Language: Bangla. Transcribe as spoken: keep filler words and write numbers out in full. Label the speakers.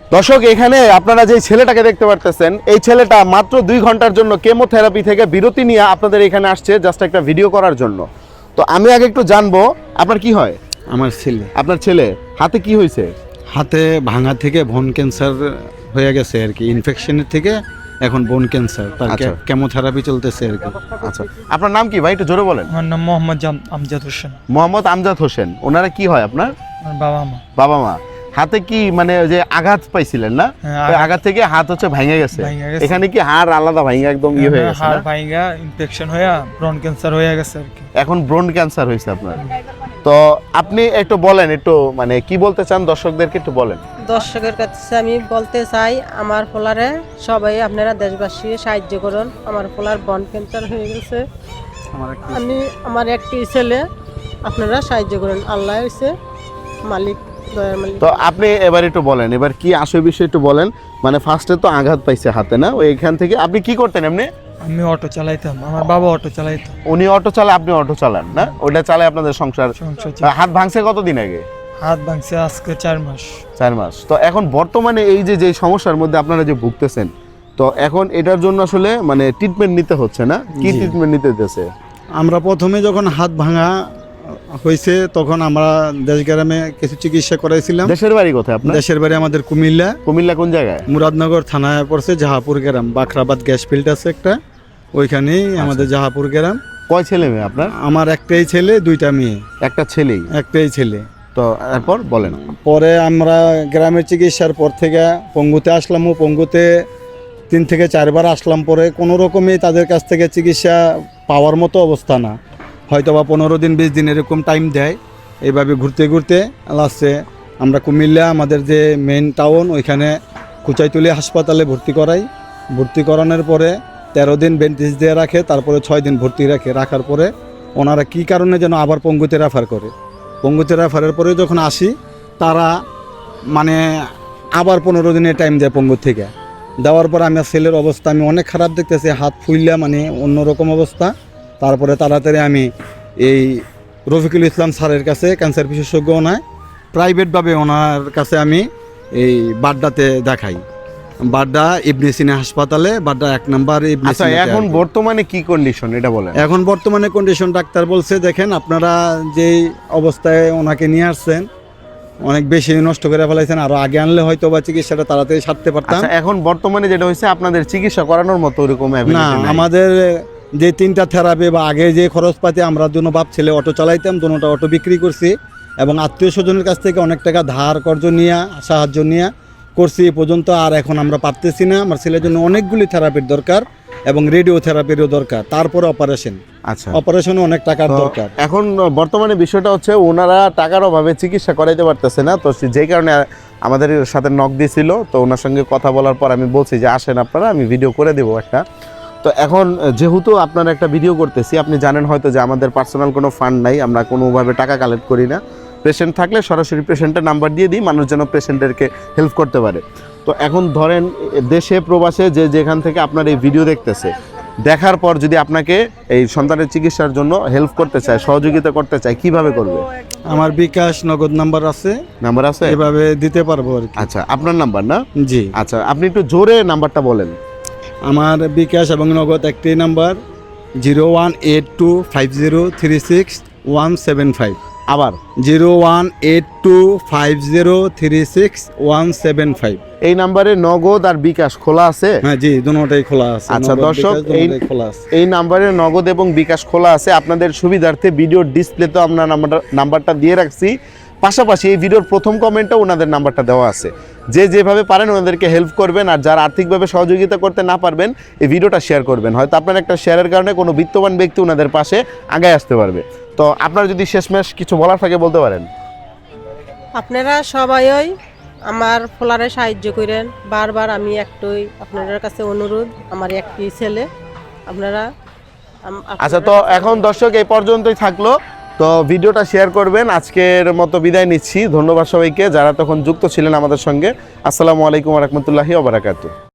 Speaker 1: দর্শক, এখানে আপনারা যে ছেলেটাকে দেখতে পারতেছেন, এই ছেলেটা মাত্র দুই ঘন্টার জন্য কেমোথেরাপি থেকে বিরতি নিয়ে আপনাদের এখানে আসছে জাস্ট একটা ভিডিও করার জন্য। তো আমি আগে একটু জানবো, আপনার কি হয়?
Speaker 2: আমার ছেলে।
Speaker 1: আপনার ছেলে হাতে কি হয়েছে?
Speaker 2: হাতে ভাঙা থেকে বোন ক্যান্সার হয়ে গেছে আর কি, ইনফেকশনের থেকে এখন বোন ক্যান্সার, তার
Speaker 1: আচ্ছা।
Speaker 2: কেমোথেরাপি চলতেছে আর কি।
Speaker 1: আচ্ছা, আপনার নাম কি ভাই, একটু জোরে বলেন।
Speaker 3: আমার নাম মোহাম্মদ জাম- আমজাদ হোসেন।
Speaker 1: মোহাম্মদ আমজাদ হোসেন। ওনারা কি হয় আপনার?
Speaker 3: আমার বাবা মা।
Speaker 1: বাবা মা। হাতে কি মানে ওই যে আঘাত পাইছিলেন না?
Speaker 3: হ্যাঁ,
Speaker 1: ওই
Speaker 3: আঘাত-
Speaker 1: আঘাত থেকে হাত হচ্ছে ভেঙে গেছে।
Speaker 3: ভেঙে গেছে।
Speaker 1: এখানে কি হাড় আলাদা ভেঙে একদম ইয়ে হয়ে গেছে
Speaker 3: হাড়
Speaker 1: না?
Speaker 3: ভাইঙ্গা ইনফেকশন হয়ে ব্রন ক্যান্সার হয়ে গেছে আর কি।
Speaker 1: এখন ব্রন ক্যান্সার হয়েছে আপনার। তো আপনি একটু বলেন, একটু মানে কি বলতে চান দর্শকদেরকে একটু বলেন।
Speaker 4: দর্শকের কাছে আমি বলতে চাই, আমার পোলারে সবাই আপনারা দেশবাসী সাহায্য করুন। আমার পোলার বন ক্যান্সার হয়ে গেছে। আমি আমার একটি ছেলে, আপনারা সাহায্য করুন। আল্লাহ হচ্ছে মালিক, দয়ার মালিক।
Speaker 1: তো আপনি এবার একটু বলেন, এবার কি আসল বিষয় একটু বলেন। মানে ফার্স্টে তো আঘাত পাইছে হাতে না, ওই এখান থেকে আপনি কি করতেন এমনি?
Speaker 3: আমি অটো চালাইতাম, আমার বাবা অটো চালাইতো।
Speaker 1: উনি অটো চালায়, আপনি অটো চালান না? ওইটা চালায় আপনাদের সংসার।
Speaker 3: সংসার চালাই।
Speaker 1: হাত ভাঙছে কতদিন আগে?
Speaker 3: হাত ভাঙছে আজকে চার মাস।
Speaker 1: চার মাস। তো এখন বর্তমানে এই যে যে সমস্যার মধ্যে আপনারা যে ভুগতেছেন, তো এখন এটার জন্য আসলে মানে ট্রিটমেন্ট নিতে হচ্ছে না? কি
Speaker 2: জি।
Speaker 1: ট্রিটমেন্ট নিতে হচ্ছে?
Speaker 2: আমরা প্রথমে যখন হাত ভাঙা হয়েছে তখন আমরা দেশ গ্রামে কিছু চিকিৎসা করাইছিলাম।
Speaker 1: দেশের বাড়ি কোথায় আপনার?
Speaker 2: দেশের বাড়ি আমাদের কুমিল্লা,
Speaker 1: কুমিল্লা কোন জায়গায়?
Speaker 2: মুরাদনগর থানায় পড়ছে, জাহাপুর গ্রাম, বাখরাবাদ গ্যাস ফিল্ড আছে একটা, ওইখানেই আমাদের জাহাপুর গ্রাম।
Speaker 1: কয় ছেলে মেয়ে আপনার?
Speaker 2: আমার একটাই ছেলে, দুইটা মেয়ে।
Speaker 1: একটা ছেলেই?
Speaker 2: একটাই ছেলে।
Speaker 1: তো এরপর বলেন।
Speaker 2: পরে আমরা গ্রামের চিকিৎসার পর থেকে পঙ্গুতে আসলাম, ও পঙ্গুতে তিন থেকে চারবার আসলাম। পরে কোনো রকমই তাদের কাছ থেকে চিকিৎসা পাওয়ার মতো অবস্থা না, হয়তো বা পনেরো দিন বিশ দিন এরকম টাইম দেয়। এইভাবে ঘুরতে ঘুরতে লাস্টে আমরা কুমিল্লা আমাদের যে মেইন টাউন, ওইখানে কুচাইতুলি হাসপাতালে ভর্তি করাই। ভর্তি করানোর পরে তেরো দিন বেন্টিস দিয়ে রাখে, তারপরে ছয় দিন ভর্তি রাখে। রাখার পরে ওনারা কী কারণে যেন আবার পঙ্গুতে রেফার করে। পঙ্গুতে রেফারের পরে যখন আসি, তারা মানে আবার পনেরো দিনের টাইম দেয় পঙ্গু থেকে। দেওয়ার পর আমার ছেলের অবস্থা আমি অনেক খারাপ দেখতেছি, হাত ফুললা মানে অন্যরকম অবস্থা। তারপরে তাড়াতাড়ি আমি এই রফিকুল ইসলাম স্যারের কাছে, ক্যান্সার বিশেষজ্ঞ ওনায়, প্রাইভেটভাবে ওনার কাছে আমি এই বাড্ডাতে দেখাই। বাড্ডা ইবনে সিনা হাসপাতালে, বাড্ডা এক নাম্বার ইবনে
Speaker 1: আচ্ছা,
Speaker 2: সিনাতে
Speaker 1: এখন
Speaker 2: আর কি।
Speaker 1: বর্তমানে কি কন্ডিশন এটা বলেন।
Speaker 2: এখন বর্তমানে কন্ডিশন ডাক্তার বলছে, দেখেন আপনারা যেই অবস্থায় ওনাকে নিয়ে আসছেন অনেক বেশি নষ্ট করে ফেলাইছেন, আরো আগে আনলে হয়তো বা চিকিৎসাটা তাড়াতাড়ি সারতে পারতাম।
Speaker 1: আচ্ছা, এখন বর্তমানে যেটা হয়েছে, আপনাদের চিকিৎসা করানোর মতো ওরকম
Speaker 2: না,
Speaker 1: ability নাই।
Speaker 2: আমাদের যে তিনটা থেরাপি বা আগে যে খরচপাতি, আমরা দুনো বাপ ছেলে অটো চালাইতাম, দুটোটা অটো বিক্রি করছি এবং আত্মীয় স্বজনের কাছ থেকে অনেক টাকা ধার কর্জ নিয়ে, সাহায্য নিয়ে করছি এ পর্যন্ত। আর এখন আমরা পারতেছি না। আমার ছেলের জন্য অনেকগুলি থেরাপির দরকার এবং রেডিও থেরাপিরও দরকার, তারপরে অপারেশন।
Speaker 1: আচ্ছা,
Speaker 2: অপারেশনে অনেক টাকার
Speaker 1: তো
Speaker 2: দরকার।
Speaker 1: এখন বর্তমানে বিষয়টা হচ্ছে ওনারা টাকার অভাবে চিকিৎসা করাইতে পারতেছে না। তো সে- যেই কারণে আমাদের সাথে নক দিয়েছিল, তো ওনার সঙ্গে কথা বলার পর আমি বলছি যে আসেন আপনারা, আমি ভিডিও করে দেবো একটা। তো এখন যেহেতু আপনারা একটা ভিডিও করতেছি, আপনি জানেন হয়তো যে আমাদের পার্সোনাল কোনো ফান্ড নাই, আমরা কোনোভাবে টাকা কালেক্ট করি না। পেশেন্ট থাকলে সরাসরি পেশেন্টের নাম্বার দিয়ে দিই, মানুষ যেন পেশেন্টেরকে হেল্প করতে পারে। তো এখন ধরেন দেশে প্রবাসে যে যেখান থেকে আপনার এই ভিডিও দেখতেছে, দেখার পর যদি আপনাকে এই সন্তানের চিকিৎসার জন্য হেল্প করতে চায়, সহযোগিতা করতে চায়, কিভাবে করবে?
Speaker 2: আমার বিকাশ নগদ নাম্বার আছে,
Speaker 1: নাম্বার আছে?
Speaker 2: এভাবে দিতে পারবো আর কি।
Speaker 1: আচ্ছা, আপনার নাম্বার না?
Speaker 2: জি,
Speaker 1: আচ্ছা, আপনি একটু জোরে নাম্বারটা বলেন।
Speaker 2: আমার বিকাশ এবং নগদ একটি number, zero one eight two five zero three six one seven five.
Speaker 1: আবার
Speaker 2: zero one eight two five zero three six one seven five.
Speaker 1: এই নাম্বারে নগদ আর বিকাশ খোলা আছে?
Speaker 2: হ্যাঁ জি, দুটোটাই খোলা আছে।
Speaker 1: আচ্ছা,
Speaker 2: নগদ,
Speaker 1: দর্শক,
Speaker 2: বিকাশ
Speaker 1: এই
Speaker 2: দুটোটাই খোলা আছে।
Speaker 1: এই নাম্বারে নগদ এবং বিকাশ খোলা আছে। আপনাদের সুবিধার্থে ভিডিওর ডিসপ্লেতে আমরা নাম্বারটা নাম্বারটা দিয়ে রাখছি। পাশাপাশি এই ভিডিওর প্রথম কমেন্টেও ওনাদের নাম্বারটা দেওয়া আছে। যে যেভাবে পারেন ওনাদেরকে হেল্প করবেন, আর যারা আর্থিকভাবে সহযোগিতা করতে না পারবেন, এই ভিডিওটা শেয়ার করবেন। হয়তো আপনার একটা শেয়ারের কারণে কোনো বিত্তবান ব্যক্তি ওনাদের পাশে আগায় আসতে পারবে। তো আপনারা যদি শেষমেশ কিছু বলার থাকে বলতে পারেন।
Speaker 4: আপনারা সবাই আমার পোলারে সাহায্য করেন। বারবার আমি একটাই আপনাদের কাছে অনুরোধ, আমার একটি ছেলে, আপনারা আম-
Speaker 1: আচ্ছা, তো
Speaker 4: আপনারা-
Speaker 1: এখন দর্শক এই পর্যন্তই থাকলো। তো ভিডিওটা শেয়ার করবেন। আজকের মতো বিদায় নিচ্ছি। ধন্যবাদ সবাইকে যারা তখন যুক্ত ছিলেন আমাদের সঙ্গে। আসসালামু আলাইকুম ওয়া রাহমাতুল্লাহি ওয়া বারাকাতুহু।